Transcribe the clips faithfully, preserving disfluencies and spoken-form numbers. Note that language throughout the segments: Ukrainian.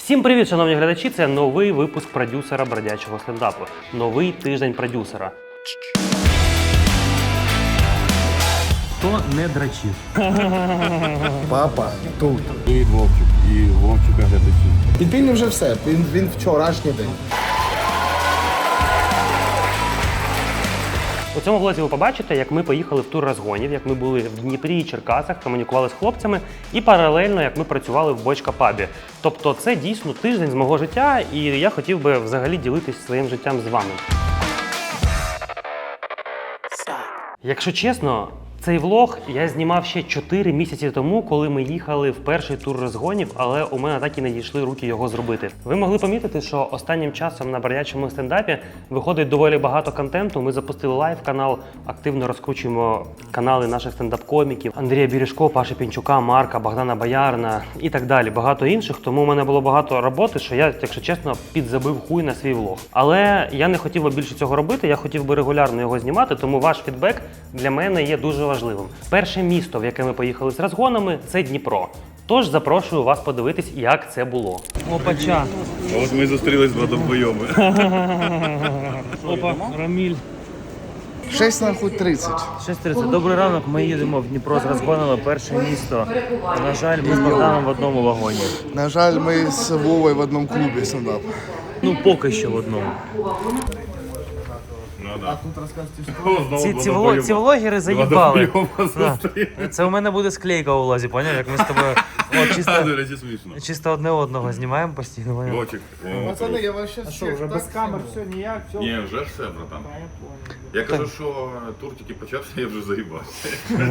Всім привіт, шановні глядачі! Це новий випуск продюсера бродячого стендапу. Новий тиждень продюсера. Хто не драчив? Папа тут. Привіт, Вовчик, і Вовчика глядачі. Підпільний вже все, він, він вчорашній день. У цьому влозі ви побачите, як ми поїхали в тур розгонів, як ми були в Дніпрі і Черкасах, комунікували з хлопцями і паралельно, як ми працювали в Бочка пабі. Тобто це дійсно тиждень з мого життя, і я хотів би взагалі ділитись своїм життям з вами. Якщо чесно, цей влог я знімав ще чотири місяці тому, коли ми їхали в перший тур розгонів, але у мене так і не дійшли руки його зробити. Ви могли помітити, що останнім часом на бродячому стендапі виходить доволі багато контенту. Ми запустили лайв-канал, активно розкручуємо канали наших стендап-коміків. Андрія Бережко, Паші Пінчука, Марка, Богдана Боярна і так далі. Багато інших, тому у мене було багато роботи, що я, якщо чесно, підзабив хуй на свій влог. Але я не хотів би більше цього робити, я хотів би регулярно його знімати, тому ваш фідбек для мене є дуже важливим. Перше місто, в яке ми поїхали з розгонами, це Дніпро. Тож запрошую вас подивитись, як це було. Опача. А от ми зустрілись два довбойоби. Опа, Раміль. шість нахуй тридцять. шість тридцять. Добрий ранок, ми їдемо в Дніпро з розгонами, перше місто. На жаль, ми з Богданом в одному вагоні. На жаль, ми з Вовою в одному клубі стендап. Ну, поки що в одному. Ці, ці, влог, ці влогери заїбали. Да. Це у мене буде склейка у влазі, поняв? Як ми з тобою от, чисто, До речі, смішно. чисто одне одного знімаємо постійно. Поняв? Вовчик. Пацани, я вас щас... А що, вже без камер все ніяк? Все? Ні, вже все, братан. Я кажу, що тур тільки почався, я вже заїбався.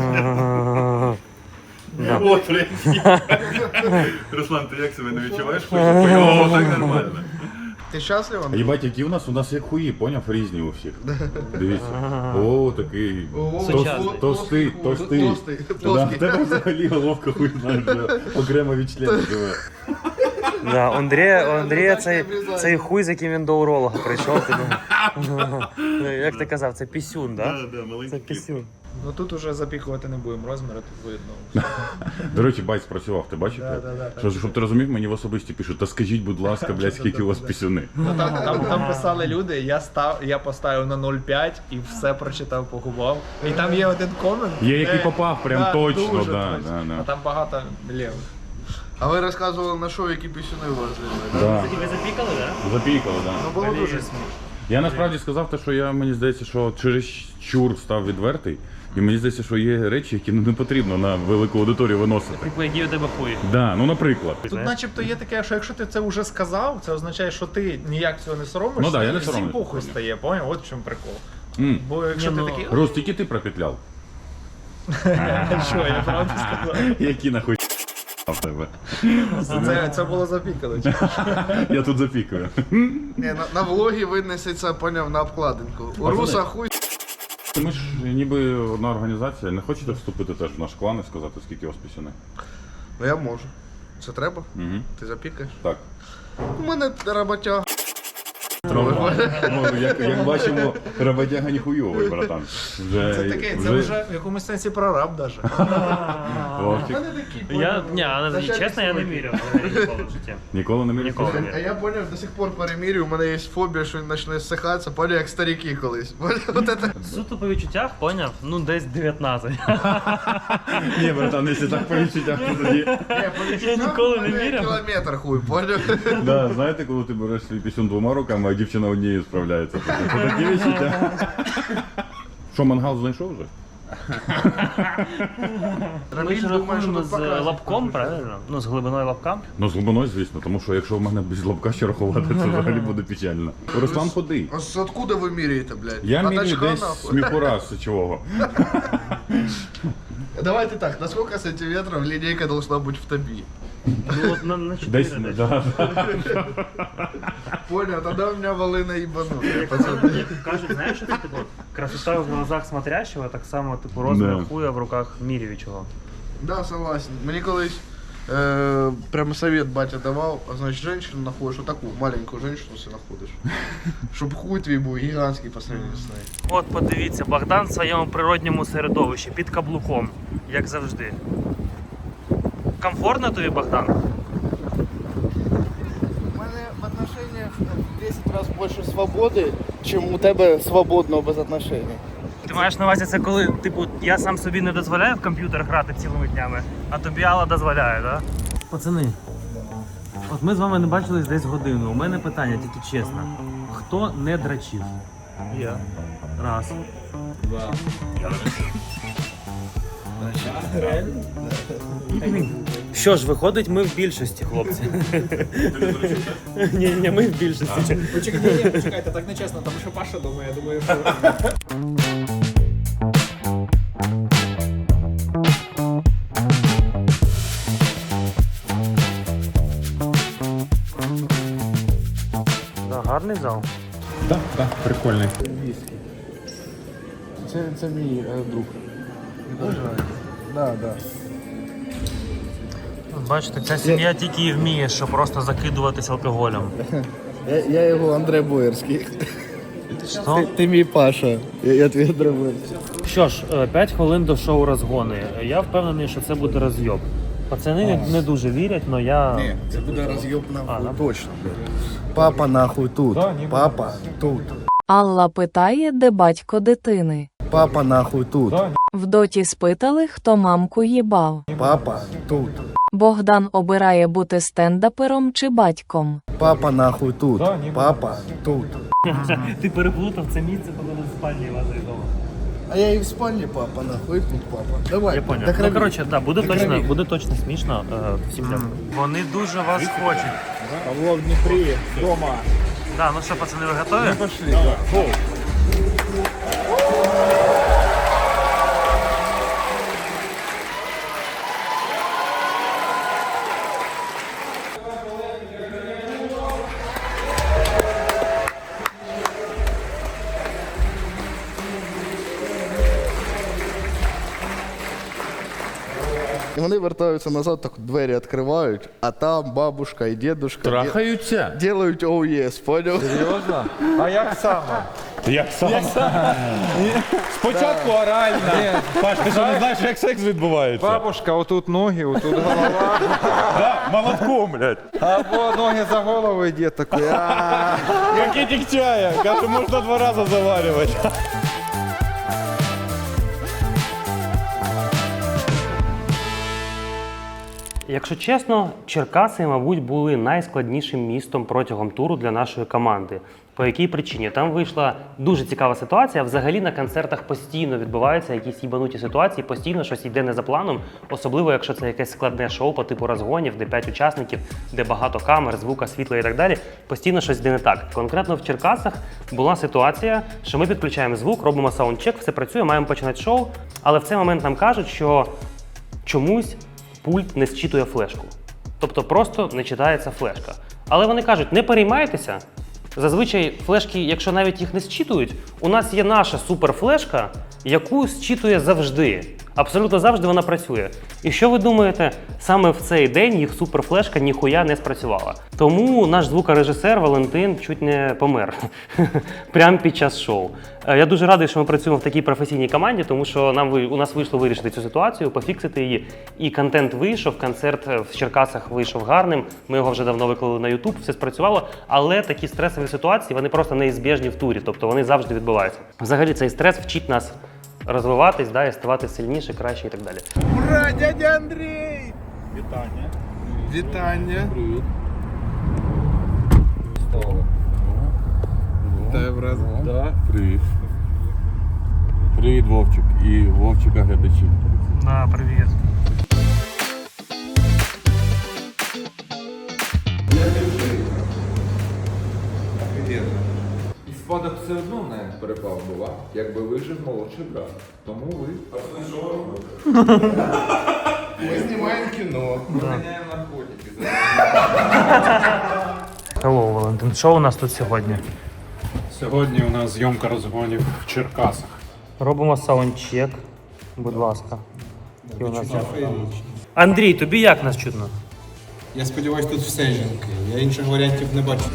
От, прикинь. Руслан, ти як себе не відчуваєш? О, так нормально. Ти щаслива? Єбать, які у нас? У нас як хуї, поняв? Різні у всіх. Дивіться. О, такий. Сучасний. Товстий, товстий. Товстий, Да, плоский. в тебе взагалі головка хуй знаєш, окремо від члена живе. Да, у Андрія, у Андрія цей, цей хуй, з яким він до уролога прийшов. Ти, ну, як ти казав, це пісюн, так? Да, да, маленький Це кіт. пісюн. Ну тут уже запікувати не будемо, розміри тут видно. До речі, байт спрацював, ти бачив? Да, да, да, Що, щоб ти розумів, мені в особисті пишуть, та скажіть, будь ласка, блядь, скільки у вас пісюни. Ну, там, там, там писали люди, я став, я поставив на нуль цілих п'ять і все прочитав, погубав. І там є один комент. Є, який де- попав, прям да, точно, дуже да, точно. да, да. А там багато лівих. А ви розказували на шоу, які пісюни у вас зробили? Да. Тебе запікали, так? Запікало, да. Ну було дуже смішно. Я насправді сказав те, що я, мені здається, що через чур став відвертий. І мені здається, що є речі, які ну, не потрібно на велику аудиторію виносити. Типу, які у тебе хуй. Да, ну, наприклад. Тут начебто є таке, що якщо ти це вже сказав, це означає, що ти ніяк цього не соромишся, Ну да, я не і всім соромлюсь, похуй понял. стає, поняв? От в чому прикол. М. Бо якщо Ні, ти ну, такий, Рус, тільки ти пропетляв. що, я правду сказав? Які нахуй в тебе? Це, це було запікано. Я тут запікаю. Ні, на, на влогі винесеться, поняв, на обкладинку. У Пацани. Руса хуй. Ми ж ніби одна організація. Не хочете вступити теж в наш клан і сказати, скільки у вас пісюни? Ну я можу. Це треба? Угу. Ти запікаєш? Так. У мене роботяга. Ну, як, як бачимо, роботяга ніхуйовий, братан. Вже, Це таке, це вже в якомусь сенсі прораб даже. Вовчик. Я, ні, але чесно, я не вірю ніколи в житті. Ніколи не міряв? Ніколи не А вірю. я поняв, до сих пор перемірюю, у мене є фобія, що він почне ссихатися, поняв, як старики колись. Поняв, от це. Суто по відчуттях, поняв? Ну, десь дев'ятнадцять. Ні, братан, якщо так по відчуттях, то тоді... Ні, по відчуттям ніколи у не мене вірив. Кілометр хуй, поняв? Да, знаєте, коли ти береш свій пісюн двома руками, а дівчина однією справляється. Це такі відчуття. Що, мангал знайшов вже? Ми ж думає, що рахуємо тут з покрасить. лапком, правильно? Ну, з глибиною лапка. Ну, з глибиною, звісно, тому що якщо в мене без лобка ще рахувати, це взагалі буде печально. Руслан, ходи. Ось откуда ви міряєте, блядь? Я От міряю очка, десь нахуй. сміхура з сечового. Давайте так, на сколько сантиметров линейка должна быть в тобі? Ну, от на, на Десь, чотири десь. да, да. Понял, тогда у меня волына ебану. Кажуть, знаєш, що це типу красота в глазах смотрящего, так само типу розмір Да. хуя в руках міряючого. Да, согласен. Мені колись е, прямо совет батя давав, а значить, женщину знаходиш, отаку маленьку женщину си знаходиш. Щоб хуй твій був гігантський по сравнению з нею. От подивіться, Богдан в своєму природньому середовищі, під каблуком, як завжди. Комфортно тобі, Богдан? раз більше свободи, ніж у тебе свободного без отношень. Ти маєш на увазі це коли, типу, я сам собі не дозволяю в комп'ютер грати цілими днями, а тобі Алла дозволяє, так? Да? Пацани, от ми з вами не бачились десь годину. У мене питання, тільки чесно. Хто не драчив? Я. Раз. Два. Що ж, виходить, ми в більшості, хлопці. Ні, ні, ми в більшості. Почекайте, почекайте, так не чесно, тому що Паша думає, я думаю, що... Да, гарний зал. Так, так, прикольний. Це, це мій е, друг. Да, да. Бачите, ця сім'я тільки і вміє, що просто закидуватись алкоголем. Я, я його Андрей Боярський. Що? Ти, ти мій Паша. Я, я твій Андрей Боярський. Що ж, п'ять хвилин до шоу розгони. Я впевнений, що це буде розйоб. Пацани не, не дуже вірять, але я... Ні, це буде роз'єб нахуй, А, да? точно. Папа нахуй тут. Папа тут. Алла питає, де батько дитини. Папа нахуй тут. В доті спитали, хто мамку їбав. Папа тут. Богдан обирає бути стендапером чи батьком. Папа нахуй тут. Папа тут. Ти переплутав це місце, коли ми в спальні вашої вдома. А я і в спальні папа нахуй, і тут папа. Давай. Я понял. до Ну, крові. коротше, да, буде До точно, крові. буде точно смішно. Е, всім дякую. Вони дуже вас хочуть. Павло в Дніпрі, вдома. Да, ну що, пацани, ви готові? Пошли. І вони вертаються назад, так двері відкривають, а там бабушка і дідушка Трахаються? делають оу єс, поняв? Серйозно? А як саме? Як саме? Спочатку орально. Паш, ти що не знаєш, як секс відбувається? Бабушка, отут ноги, отут голова. Да, молотком, блядь. Або ноги за голову йде такий. «А». Пакетик чая. Каже, можна два рази заварювати. Якщо чесно, Черкаси, мабуть, були найскладнішим містом протягом туру для нашої команди. По якій причині? Там вийшла дуже цікава ситуація. Взагалі на концертах постійно відбуваються якісь їбануті ситуації, постійно щось йде не за планом, особливо якщо це якесь складне шоу по типу розгонів, де п'ять учасників, де багато камер, звука, світла і так далі. Постійно щось йде не так. Конкретно в Черкасах була ситуація, що ми підключаємо звук, робимо саундчек, все працює, маємо починати шоу, але в цей момент нам кажуть, що чомусь пульт не зчитує флешку. Тобто просто не читається флешка. Але вони кажуть, не переймайтеся. Зазвичай флешки, якщо навіть їх не зчитують, у нас є наша суперфлешка, яку зчитує завжди. Абсолютно завжди вона працює. І що ви думаєте, саме в цей день їх суперфлешка ніхуя не спрацювала. Тому наш звукорежисер Валентин чуть не помер. Прямо під час шоу. Я дуже радий, що ми працюємо в такій професійній команді, тому що нам у нас вийшло вирішити цю ситуацію, пофіксити її. І контент вийшов, концерт в Черкасах вийшов гарним. Ми його вже давно виклали на YouTube, все спрацювало. Але такі стресові ситуації, вони просто неізбіжні в турі, тобто вони завжди відбуваються. Взагалі цей стрес вчить нас розвиватись, да, і ставати сильніше, краще і так далі. Ура, дядя Андрій! Вітання. Вітання. Привіт. Вітаю, брат. Да. Привіт. Привіт, Вовчик. І Вовчика глядачі. Да, привіт. І спадок все одно не перепав була, якби вижив молодший брат. Тому ви Ми знімаємо кіно. поміняємо наркотики. Hello, Валентин. Що у нас тут сьогодні? Сьогодні у нас зйомка розгонів в Черкасах. Робимо саундчек, будь ласка. І у нас... Андрій, тобі як нас чутно? Я сподіваюся, тут все жінки. Я інших варіантів не бачу.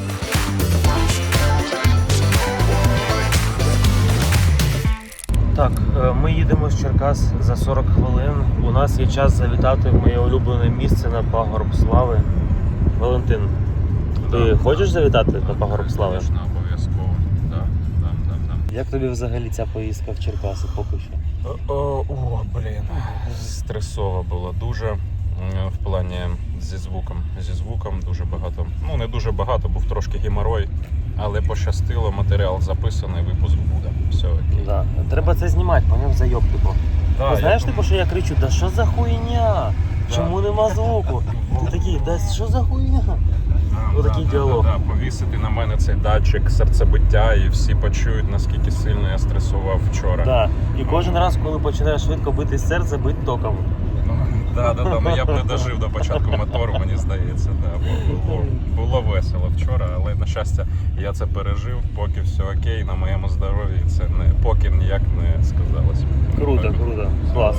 Так, ми їдемо з Черкас за сорок хвилин. У нас є час завітати в моє улюблене місце на пагорб слави. Валентин, Ти хочеш завітати на пагорб слави? Звісно, обов'язково. Да, да, да, да. Як тобі взагалі ця поїздка в Черкаси поки що? О, о, о, блін, стресово було дуже м, в плані зі звуком. Зі звуком дуже багато. Ну, не дуже багато, був трошки геморой, але пощастило, матеріал записаний, випуск буде. Все окей. Да. Треба це знімати, поняв, зайоб, типу. Да, Ти знаєш, я типу, що я кричу, да що за хуйня? Чому нема звуку? Ти такий, да що за хуйня? Да, Отакий да, діалог. Да, да, повісити на мене цей датчик серцебиття, і всі почують, наскільки сильно я стресував вчора. Да. І кожен раз, коли починає швидко бити серце, бить током. Да, да, да. Ну я б не дожив до початку мотору, мені здається. Да. Бо Було, було весело вчора, але на щастя я це пережив, поки все окей, на моєму здоров'ї це не поки ніяк не сказалось. Круто, Так. круто. Клас.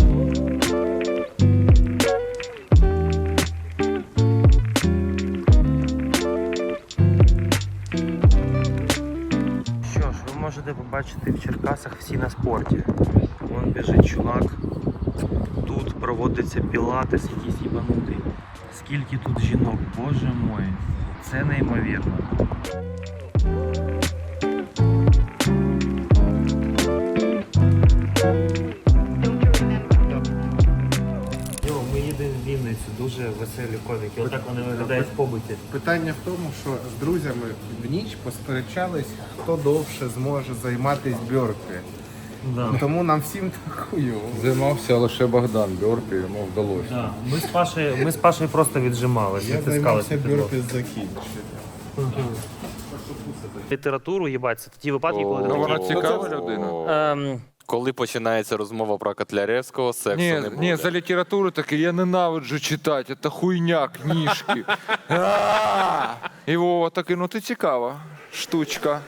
Що ж, ви можете побачити в Черкасах всі на спорті. Вон біжить чувак. Тут проводиться пілатес якийсь їбанутий. Скільки тут жінок, боже мой. Це неймовірно. Йо, ми їдемо в Вінницю, дуже веселі коміки. Отак вони виглядають в побуті. Питання в тому, що з друзями в ніч посперечались, хто довше зможе займатися бьорпі. Да. Тому нам всім так хуйово. Займався лише Богдан Бьорпі, йому вдалося. Да. Ми з Пашею, ми з Пашею просто віджималися, Я відтискалися. займався бьорпі закінчити. Літературу, їбать, це ті випадки, коли ти Ну, такий, вона цікава людина. ем, Коли починається розмова про Котляревського, сексу Ні, не буде. ні, за літературу таке, я ненавиджу читати, це хуйня, книжки. А! І Вова такий, ну ти цікава штучка.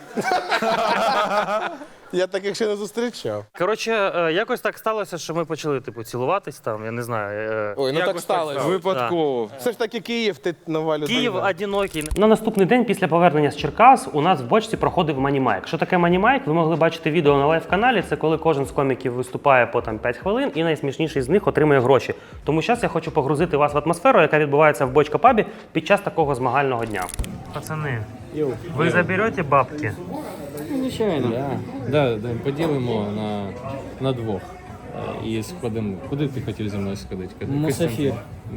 Я таких ще не зустрічав. Коротше, е, якось так сталося, що ми почали типу цілуватись там, я не знаю. е, Ой, ну так сталося. Випадково. Все ж таки Київ, ти нова людина. Київ одинокий. На наступний день після повернення з Черкас у нас в бочці проходив манімайк. Що таке манімайк? Ви могли бачити відео на лайв-каналі. Це коли кожен з коміків виступає по там п'ять хвилин, і найсмішніший з них отримує гроші. Тому зараз я хочу погрузити вас в атмосферу, яка відбувається в бочка пабі під час такого змагального дня. Пацани, ви заберете бабки? Звичайно. Да. Да, да, поділимо на, на двох. Е, І сходимо. Куди ти хотів зі мною сходити? Мусафір.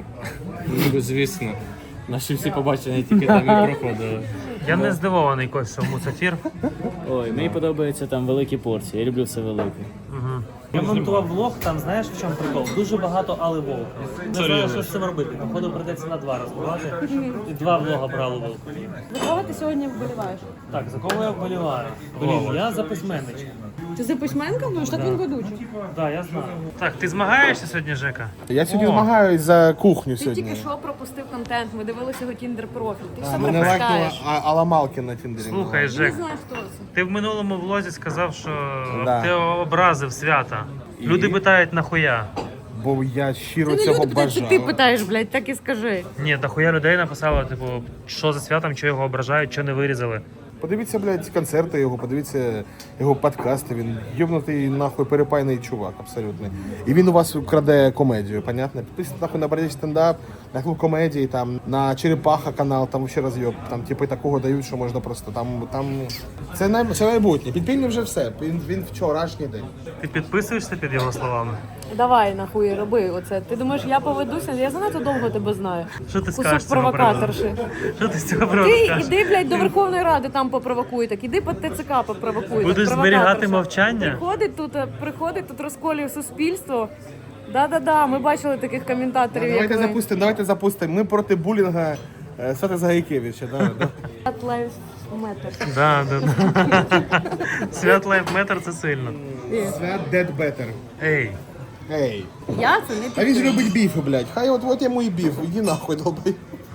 Ну, звісно. Наші всі побачення тільки там і проходили. Я не здивований, Кость, що мусафір. Ой, мені подобаються там великі порції, я люблю все велике. Угу. Я монтував влог, там знаєш в чому прикол? Дуже багато Али Волка. Не знаю, що з цим робити. Походу прийдеться на два розбивати. І два влога брали Волк. За кого ти сьогодні вболіваєш? Так, за кого я вболіваю? Блін, я за письменничка. Ти за письменка? Ну ж так він ведучий. Так, я знаю. Так, ти змагаєшся сьогодні, Жека? Я сьогодні О. змагаюсь за кухню Ти сьогодні. тільки що пропустив контент, ми дивилися його тіндер-профіль. Ти все Мене лайкнула пропускаєш. А- Алла Малкін на Тіндері. Слухай, Не Жек, знаю, хто це. ти в минулому влозі сказав, що Да. ти образив свята. Люди питають нахуя. Бо я щиро Це не цього люди питають, бажаю. це ти питаєш, блядь, так і скажи. Ні, нахуя людей написало, типу, що за святом, що його ображають, що не вирізали. Подивіться, блядь, концерти його, подивіться його подкасти. Він йобнутий нахуй перепайний чувак, абсолютно. І він у вас краде комедію, понятно? Підписуйтесь нахуй на Бродячий стендап, на клуб комедії, там, на Черепаха канал, там ще розйоб. Там типу такого дають, що можна просто там. там... Це, най... це майбутнє. Підпільний вже все. Він, він вчорашній день. Ти підписуєшся під його словами? Давай, нахуй, роби оце. Ти думаєш, я поведуся? Я занадто довго тебе знаю. Що ти скажеш Кусок з цього провокаторши. приводу? Що ти з цього приводу Ти скажеш? іди, блядь, до Верховної Ради, там попровокуй так. Іди по ТЦК попровокуй. Будеш так, зберігати провокаторша. мовчання? Приходить тут, е, приходить тут розколює суспільство. Да-да-да, ми бачили таких коментаторів, як Давайте ви. запустимо, давайте запустимо. Ми проти булінга е, Свята Загайкевича. Да, да. At life matter. Да, да, да. Свят лайфметр це сильно. Свят Dead Better. Ей. Ей. Я це не А він ж підтримую. любить біфи, блядь. Хай от, от йому і біф. Іди нахуй, долбай.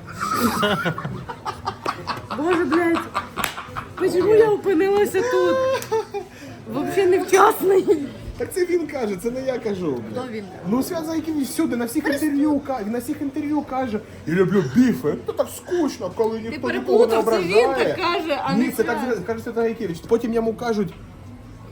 Боже, блядь, почему я опинилася тут? Вообще невчасно. Так це він каже, це не я кажу. блядь. Хто він? Ну, Свят Загайкевич всюди, на всіх інтерв'ю, ка- на всіх інтерв'ю каже, я люблю біфи. Ну так скучно, коли ніхто нікого не переплутав, це ображає. він так каже, а Ні, не це так Свят. каже Свят Загайкевич. Потім йому кажуть,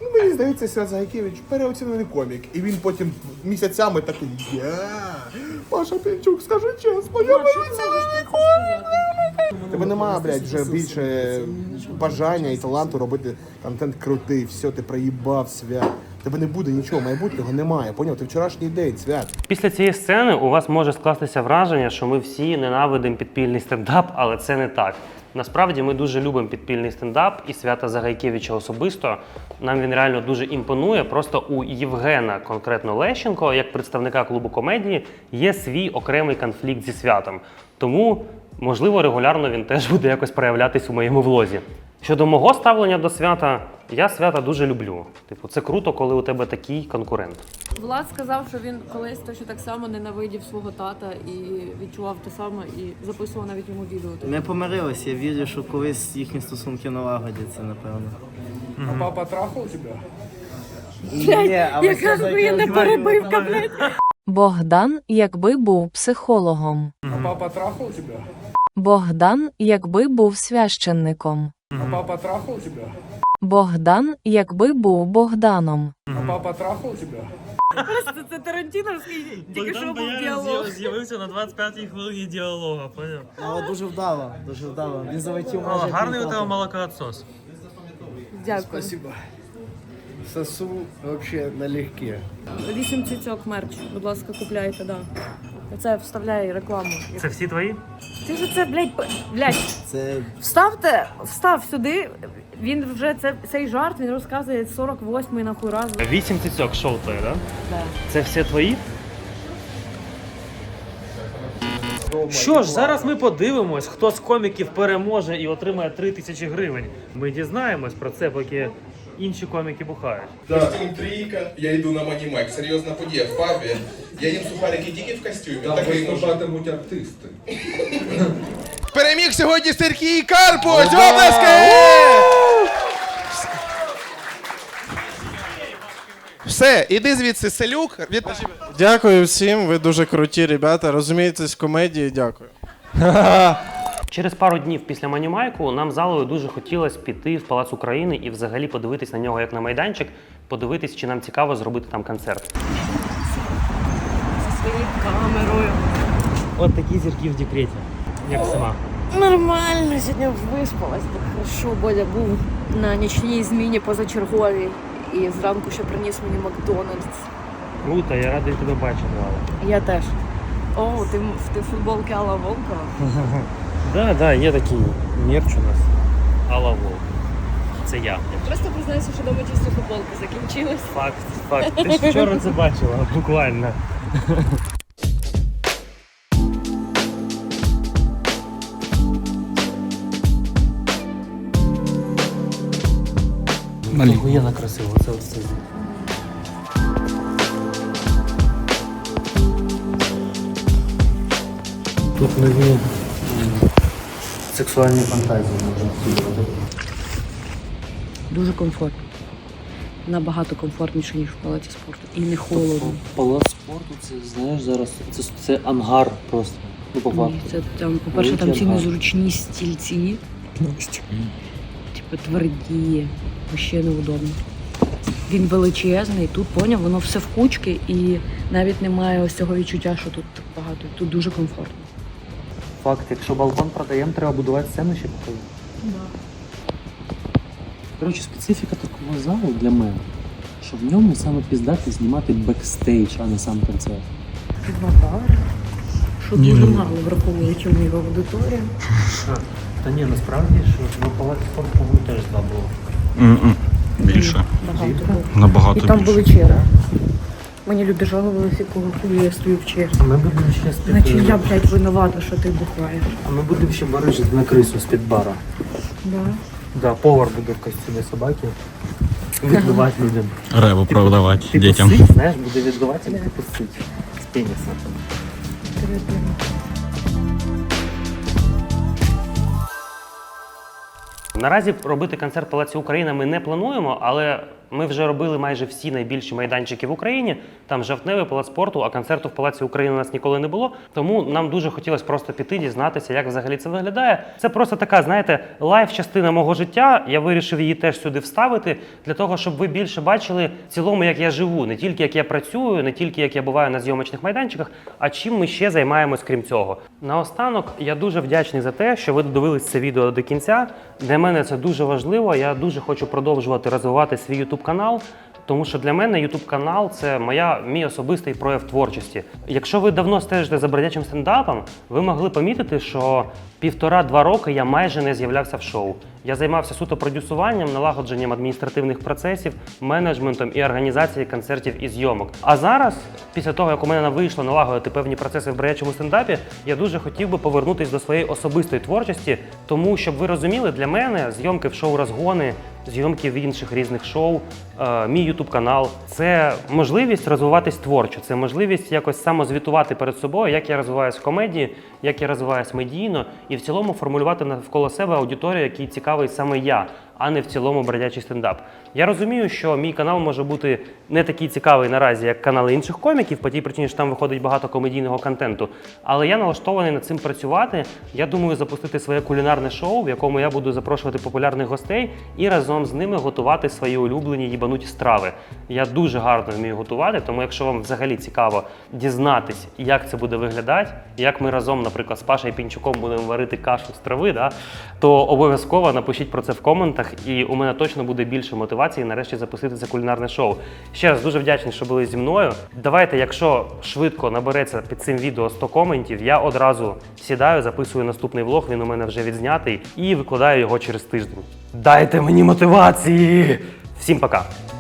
Ну, мені здається, Свят Загайкевич переоцінений комік. І він потім місяцями такий, я, Паша Пінчук, скажи чесно, я переоцінений комік. Тебе немає, блядь, вже більше бажання і таланту робити контент крутий, все, ти проїбав, Свят. Тебе не буде нічого, майбутнього немає, поняв? Ти вчорашній день, Свят. Після цієї сцени у вас може скластися враження, що ми всі ненавидимо підпільний стендап, але це не так. Насправді ми дуже любимо підпільний стендап і Свята Загайкевича особисто. Нам він реально дуже імпонує. Просто у Євгена, конкретно Лещенко, як представника клубу комедії, є свій окремий конфлікт зі Святом. Тому, можливо, регулярно він теж буде якось проявлятись у моєму влозі. Щодо мого ставлення до Свята, я Свята дуже люблю. Типу, це круто, коли у тебе такий конкурент. Влад сказав, що він колись точно так само ненавидів свого тата і відчував те саме, і записував навіть йому відео. Ми помирилися, я вірю, що колись їхні стосунки налагодяться, напевно. А папа трахав тебе? Блядь, яка ж не перебивка, блядь. Богдан, якби був психологом. А папа трахав тебе? Богдан, якби був священником. А папа трахав тебе? Богдан, якби був Богданом. А папа трахав тебе? Просто це Тарантіновський, тільки що був діалог. З'явився на двадцять п'ятій хвилині діалогу, поняв? Але дуже вдало, дуже вдало. Він залетів О, майже. гарний у тебе півтора. молокоотсос. Дякую. Спасибо. Сосу вообще налегке. Вісім цицьок мерч, будь ласка, купляйте, да. Це вставляє рекламу. Це всі твої? Ти ж це, блядь, п- блядь, Це вставте, встав сюди. Він вже це, цей жарт він розказує сорок восьмий нахуй раз. Вісім цицьок шоу твоє, так? Да. Це все твої? Що ж, зараз ми подивимось, хто з коміків переможе і отримає три тисячі гривень. Ми дізнаємось про це, поки інші коміки бухають. Костюм трійка, я йду на Манімек. Серйозна подія в пабі. Я їм сухарики тільки в костюмі. Там виступатимуть артисти. Переміг сьогодні Сергій Карпуч! Облески! Все, іди звідси, селюк. Від... Дякую всім, ви дуже круті ребята, розумієтесь в комедії, дякую. Через пару днів після Манімайку нам залою дуже хотілося піти в Палац України і взагалі подивитись на нього як на майданчик, подивитись, чи нам цікаво зробити там концерт. Зі своєю камерою. От такі зірки в декреті, як сама. Нормально, сьогодні виспалась, так хорошо. Бодя був на нічній зміні позачерговій. І зранку ще приніс мені Макдональдс. Круто, я радий тебе бачити, Алла. Я теж. О, ти, ти футболки Алла Волкова? Да, да, є такий мерч у нас. Алла Волк. Це я. Просто признайся, що дома чисто футболки закінчились. Факт, факт. Ти ж вчора це бачила, буквально. Охуєнно красиво, це ось це. Тут нові сексуальні фантазії можна втілювати. Дуже комфортно. Набагато комфортніше, ніж в палаці спорту. І не холодно. Палац спорту, це, знаєш, зараз, це, це ангар просто. Ну, по факту. Ні, це там, по-перше, там ці незручні стільці. Типу тверді, ще неудобно. Він величезний, тут, поняв, воно все в кучки і навіть немає ось цього відчуття, що тут багато. Тут дуже комфортно. Факт, якщо балкон продаємо, треба будувати сцену ще поки. Да. Коротше, специфіка такого залу для мене, що в ньому саме піздати знімати бекстейдж, а не сам концерт. Два бари, що дуже мало враховуючи в його аудиторію. Та ні, насправді, що в Палаці спорту, по-моєму, теж два було. Більше. Багато було. Набагато І там більше. були черги. Мені люди жалувалися, коли я стою в черзі. А ми будемо ще з-під... Значить, я, блядь, винувата, що ти бухаєш. А ми будемо ще барижити на крису з-під бара. Да. Да, повар буде в костюмі собаки відбивати людям. Реву продавати Типу дітям. сить, знаєш, буде відбивати, типу сить. З пеніса. Наразі робити концерт в Палаці Україна ми не плануємо, але Ми вже робили майже всі найбільші майданчики в Україні. Там Жовтневий, Палац спорту, а концерту в Палаці України у нас ніколи не було. Тому нам дуже хотілося просто піти, дізнатися, як взагалі це виглядає. Це просто така, знаєте, лайф-частина мого життя. Я вирішив її теж сюди вставити, для того, щоб ви більше бачили в цілому, як я живу. Не тільки як я працюю, не тільки як я буваю на зйомочних майданчиках, а чим ми ще займаємось крім цього. Наостанок, я дуже вдячний за те, що ви додивились це відео до кінця. Для мене це дуже важливо. Я дуже хочу продовжувати розвивати свій YouTube канал. Тому що для мене YouTube канал це моя, мій особистий прояв творчості. Якщо ви давно стежите за бродячим стендапом, ви могли помітити, що півтора-два роки я майже не з'являвся в шоу. Я займався суто продюсуванням, налагодженням адміністративних процесів, менеджментом і організацією концертів і зйомок. А зараз, після того, як у мене вийшло налагодити певні процеси в бродячому стендапі, я дуже хотів би повернутися до своєї особистої творчості, тому, щоб ви розуміли, для мене зйомки в шоу «Розгони», зйомки в інших різних шоу, е, мій ютуб-канал – це можливість розвиватись творчо, це можливість якось самозвітувати перед собою, як я розвиваюсь в комедії, як я розвиваюсь медійно, і в цілому формулювати навколо себе аудиторію, якій цікавий саме я, а не в цілому бродячий стендап. Я розумію, що мій канал може бути не такий цікавий наразі, як канали інших коміків, по тій причині, що там виходить багато комедійного контенту, але я налаштований над цим працювати. Я думаю запустити своє кулінарне шоу, в якому я буду запрошувати популярних гостей і разом з ними готувати свої улюблені їбануті страви. Я дуже гарно вмію готувати, тому якщо вам взагалі цікаво дізнатись, як це буде виглядати, як ми разом, наприклад, з Пашею Пінчуком будемо варити кашу з трави, да, то обов'язково напишіть про це в коментах, і у мене точно буде більше мотивації нарешті запустити це кулінарне шоу. Ще раз дуже вдячний, що були зі мною. Давайте, якщо швидко набереться під цим відео сто коментів, я одразу сідаю, записую наступний влог, він у мене вже відзнятий, і викладаю його через тиждень. Дайте мені мотивації! Всім пока!